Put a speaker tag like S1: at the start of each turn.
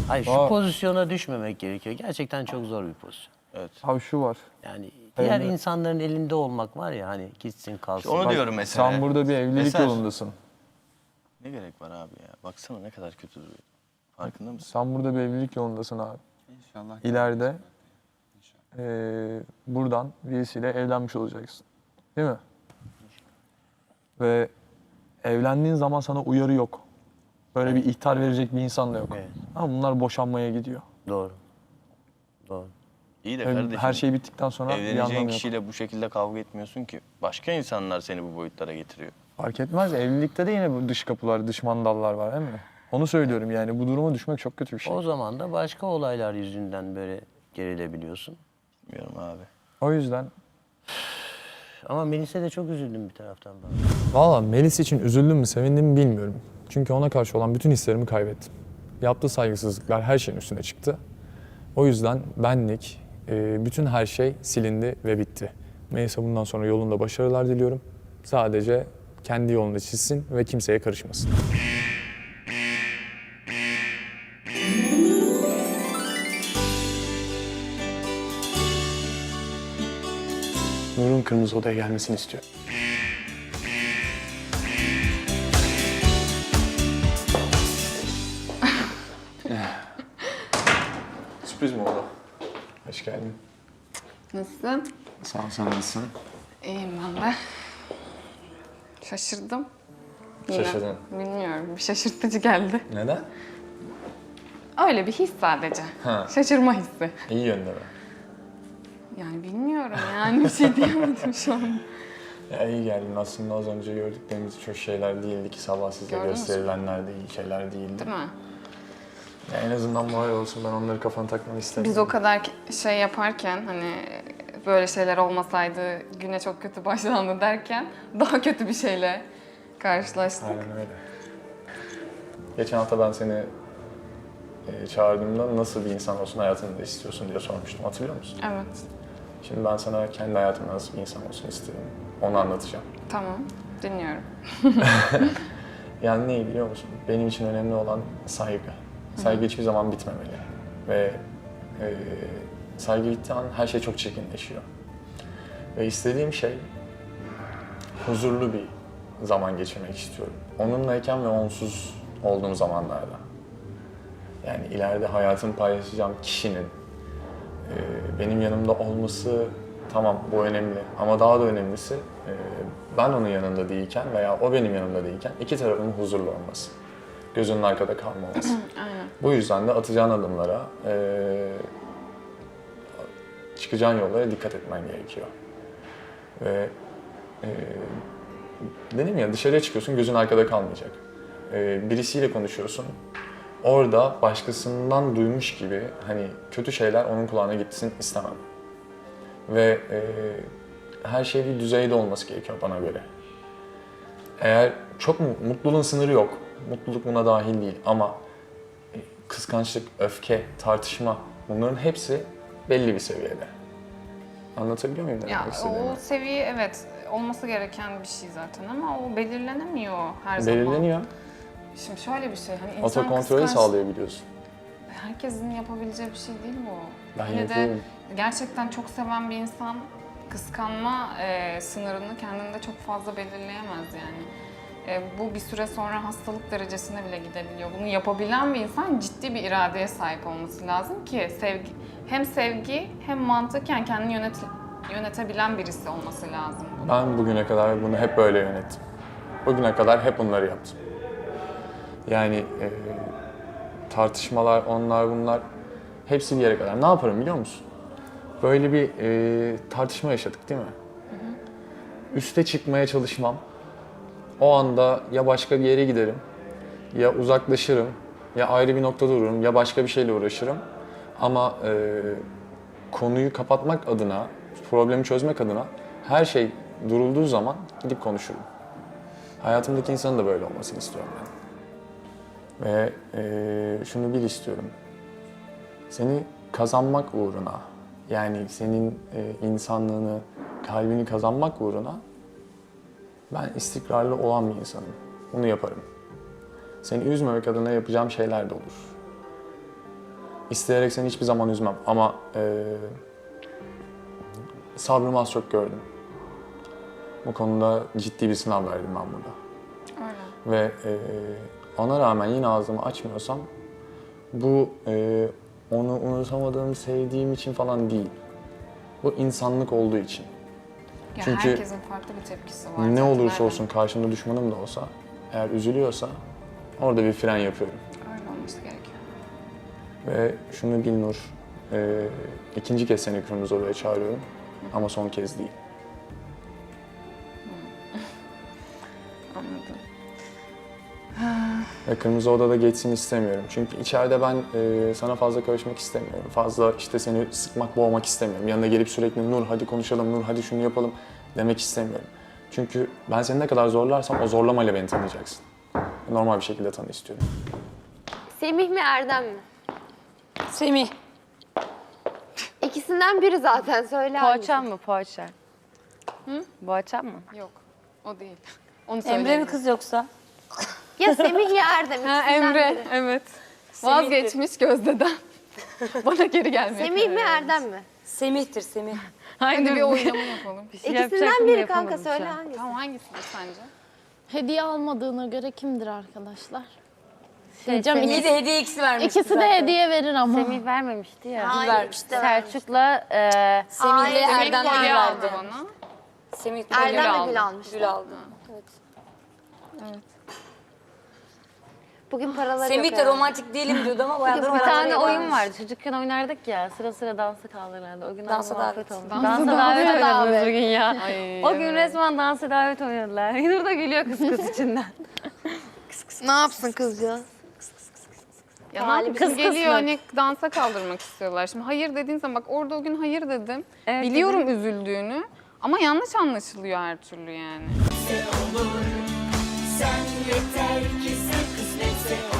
S1: Hayır, şu pozisyona düşmemek gerekiyor. Gerçekten çok zor bir pozisyon.
S2: Evet.
S3: Abi şu var.
S1: Yani diğer
S3: Evet.
S1: insanların elinde olmak var ya, hani gitsin kalsın.
S2: Onu diyorum mesela.
S3: Sen burada bir evlilik
S2: Eser.
S3: yolundasın.
S2: Ne gerek var abi ya? Baksana ne kadar kötü duruyor. Farkında mısın?
S3: Sen burada bir evlilik yolundasın abi.
S4: İnşallah.
S3: İleride buradan birisiyle evlenmiş olacaksın. Değil mi? Ve evlendiğin zaman sana uyarı yok. Böyle bir ihtar verecek bir insan da yok.
S1: Evet.
S3: Ama bunlar boşanmaya gidiyor.
S1: Doğru. Doğru.
S2: İyi de
S3: Ve
S2: kardeşim.
S3: her şey bittikten sonra bir
S2: evleneceğin
S3: anlamı yok.
S2: kişiyle bu şekilde kavga etmiyorsun ki. Başka insanlar seni bu boyutlara getiriyor.
S3: Fark etmez. Evlilikte de yine bu dış kapılar, dış mandallar var değil mi? Onu söylüyorum yani. Bu duruma düşmek çok kötü bir şey.
S1: O zaman da başka olaylar yüzünden böyle gerilebiliyorsun.
S2: Bilmiyorum abi.
S3: O yüzden
S1: Ama Melis'e de çok üzüldüm bir taraftan ben.
S5: Valla Melis için üzüldüm mü, sevindim mi bilmiyorum. Çünkü ona karşı olan bütün hislerimi kaybettim. Yaptığı saygısızlıklar her şeyin üstüne çıktı. O yüzden benlik, bütün her şey silindi ve bitti. Melis'e bundan sonra yolunda başarılar diliyorum. Sadece kendi yolunu çizsin ve kimseye karışmasın.
S3: Nur'un kırmızı odaya gelmesini istiyorum. Sürpriz mi oldu? Hoş geldin.
S4: Nasılsın?
S3: Sağ ol, sen nasılsın?
S4: İyiyim ben de. Şaşırdım. Yine.
S3: Şaşırdın.
S4: Bilmiyorum, bir şaşırtıcı geldi.
S3: Neden?
S4: Öyle bir his sadece.
S3: Ha.
S4: Şaşırma hissi.
S3: İyi yönde mi?
S4: Yani bilmiyorum yani bir şey diyemedim şu an.
S3: Ya iyi geldin. Aslında az önce gördüklerimiz çok şeyler değildi ki sabah size
S4: Gördünüz mü?
S3: gösterilenler de iyi şeyler değildi.
S4: Değil mi?
S3: Ya en azından moral olsun, ben onları kafana takmanı istemiyorum.
S4: Biz o kadar şey yaparken hani böyle şeyler olmasaydı güne çok kötü başlandı derken daha kötü bir şeyle karşılaştık.
S3: Aynen öyle. Geçen hafta ben seni çağırdığımda nasıl bir insan olsun hayatında istiyorsun diye sormuştum. Hatırlıyor musun?
S4: Evet.
S3: Şimdi ben sana kendi hayatımda nasıl bir insan olsun istiyorum. Onu anlatacağım.
S4: Tamam. Dinliyorum.
S3: Yani neyi biliyor musun? Benim için önemli olan saygı. Saygı hiçbir zaman bitmemeli. Ve saygı bittiği an her şey çok çirkinleşiyor. Ve istediğim şey huzurlu bir zaman geçirmek istiyorum. Onunlayken ve onsuz olduğum zamanlarda. Yani ileride hayatımı paylaşacağım kişinin benim yanımda olması, tamam bu önemli ama daha da önemlisi ben onun yanında değilken veya o benim yanımda değilken iki tarafın huzurlu olması. Gözünün arkada kalmaması.
S4: Aynen.
S3: Bu yüzden de atacağın adımlara, çıkacağın yollara dikkat etmen gerekiyor. Ve dedim ya, dışarıya çıkıyorsun, gözün arkada kalmayacak. Birisiyle konuşuyorsun, orada başkasından duymuş gibi hani kötü şeyler onun kulağına gitsin istemem. Ve her şey bir düzeyde olması gerekiyor bana göre. Eğer çok mutluluğun sınırı yok, mutluluk buna dahil değil ama kıskançlık, öfke, tartışma bunların hepsi belli bir seviyede. Anlatabiliyor muyum ne
S4: Ya
S3: demek istediğimi?
S4: o seviye evet olması gereken bir şey zaten ama o belirlenemiyor her zaman.
S3: Belirleniyor.
S4: Şimdi şöyle bir şey hani insan
S3: Otokontrolü sağlayabiliyorsun.
S4: herkesin yapabileceği bir şey değil mi o?
S3: Ben
S4: Yine de
S3: yapıyorum.
S4: gerçekten çok seven bir insan kıskanma sınırını kendinde çok fazla belirleyemez yani. Bu bir süre sonra hastalık derecesine bile gidebiliyor. Bunu yapabilen bir insan ciddi bir iradeye sahip olması lazım ki hem sevgi hem mantıken kendini yönetebilen birisi olması lazım.
S3: Ben bugüne kadar bunu hep böyle yönettim. Bugüne kadar hep bunları yaptım. Yani tartışmalar, onlar bunlar hepsi bir yere kadar. Ne yaparım biliyor musun? Böyle bir tartışma yaşadık değil mi? Üste çıkmaya çalışmam. O anda ya başka bir yere giderim, ya uzaklaşırım, ya ayrı bir noktada dururum, ya başka bir şeyle uğraşırım. Ama konuyu kapatmak adına, problemi çözmek adına her şey durulduğu zaman gidip konuşurum. Hayatımdaki insanın da böyle olmasını istiyorum ben. Ve şunu bil istiyorum. Seni kazanmak uğruna, yani senin insanlığını, kalbini kazanmak uğruna ben istikrarlı olan bir insanım. Bunu yaparım. Seni üzmemek adına yapacağım şeyler de olur. İsteyerek seni hiçbir zaman üzmem ama sabrımı az çok gördüm. Bu konuda ciddi bir sınav verdim ben burada.
S4: Öyle.
S3: Ve ona rağmen yine ağzımı açmıyorsam bu onu unutamadığım, sevdiğim için falan değil. Bu insanlık olduğu için.
S4: Ya
S3: Çünkü
S4: herkesin farklı bir tepkisi var.
S3: Ne
S4: zaten,
S3: olursa
S4: aynen.
S3: olsun karşımda düşmanım da olsa eğer üzülüyorsa orada bir fren yapıyorum.
S4: Öyle olması gerekiyor.
S3: Ve şunu bil Nur, ikinci kez seni Kırmızı Oda'ya çağırıyorum ama son kez değil.
S4: Anladım.
S3: Ve Kırmızı Oda'da geçsin istemiyorum. Çünkü içeride ben sana fazla karışmak istemiyorum. Fazla işte seni sıkmak, boğmak istemiyorum. Yanına gelip sürekli Nur hadi konuşalım, Nur hadi şunu yapalım demek istemiyorum. Çünkü ben seni ne kadar zorlarsam o zorlamayla beni tanıyacaksın. Normal bir şekilde tanı istiyorum.
S6: Semih mi Erdem mi?
S7: Semih.
S6: İkisinden biri zaten söyle.
S7: Poğaça mı poğaça? Hı? Poğaça mı?
S4: Yok. O değil. Onu
S7: Emre mi
S4: söyleyeyim.
S7: kız yoksa?
S6: Ya Semih ya Erdem.
S4: Ha,
S6: ikisinden
S4: Emre.
S6: biri.
S4: Evet.
S7: Semih'tir.
S4: Vazgeçmiş Gözde'den. Bana geri gelmeye
S6: Semih mi
S4: karar vermiş.
S6: Erdem mi?
S7: Semih'tir Semih.
S4: Hadi bir oylama yapalım.
S6: İkisinden biri kanka söyle hangisi?
S4: Tamam hangisidir sence?
S8: Hediye almadığına göre kimdir arkadaşlar?
S7: İyi de hediye ikisi vermişti
S8: İkisi de hediye verir ama.
S9: Semih vermemişti ya.
S6: Hayır işte.
S9: Selçuk'la
S7: Semih
S6: Hayır,
S7: ile
S6: Semih
S7: Erdem
S6: kolye
S7: Gül
S4: aldı
S7: verdi.
S4: bana.
S7: Semih
S6: Erdem de gül almış.
S7: Gül aldı.
S6: Bugün paraları
S7: Semih
S6: yok.
S7: de romantik değilim diyordu ama bayağı da
S9: bir
S7: romantik.
S9: tane oyun vardı. Çocukken oynardık ya. Sıra sıra dansa kaldırırlardı. O gün
S7: Dansa
S9: muhabbet
S7: davet.
S9: olmuş.
S4: Dansa
S9: Dansa
S4: davet.
S9: davet oynadınız bugün ya.
S4: Ay,
S9: O gün
S4: evet.
S9: resmen dansa davet oynadılar. Nur da gülüyor kız kız içinden.
S6: Ne yapsın kızcağız?
S4: Ya ne yapayım?
S9: Kız
S4: Geliyor
S9: kısmet.
S4: hani dansa kaldırmak istiyorlar. Şimdi hayır dediğin zaman bak orada o gün hayır dedim.
S9: Evet,
S4: Biliyorum üzüldüğünü ama yanlış anlaşılıyor her türlü yani.
S10: Sen yeter ki sen kısmetse